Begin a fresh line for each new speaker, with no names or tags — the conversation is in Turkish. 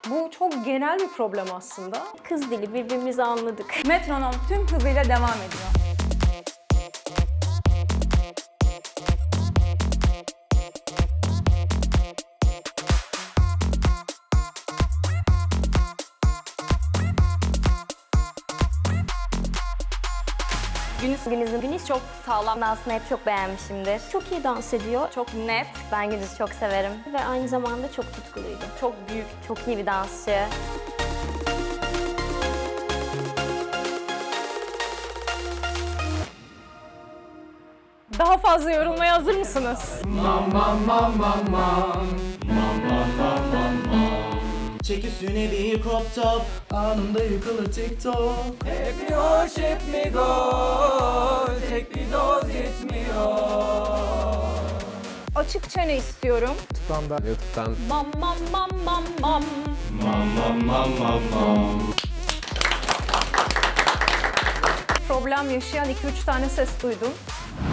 Bu çok genel bir problem aslında.
Kız dili, birbirimizi anladık.
Metronom tüm hızıyla devam ediyor.
Güniz çok sağlam dansını hep çok beğenmişimdir. Çok iyi dans ediyor.
Çok net,
Ben Gündüz'ü çok severim. Ve aynı zamanda çok tutkuluydu.
çok büyük.
Çok iyi bir dansçı.
Daha fazla yorulmaya hazır mısınız?
Çek üstüne bir crop top, anında yıkılır TikTok.
Hep mi hoş hep mi gol, tek bir doz yetmiyor.
Açık çene istiyorum.
YouTube'dan
Mam mam mam mam mam. Problem yaşayan 2-3 tane ses duydum.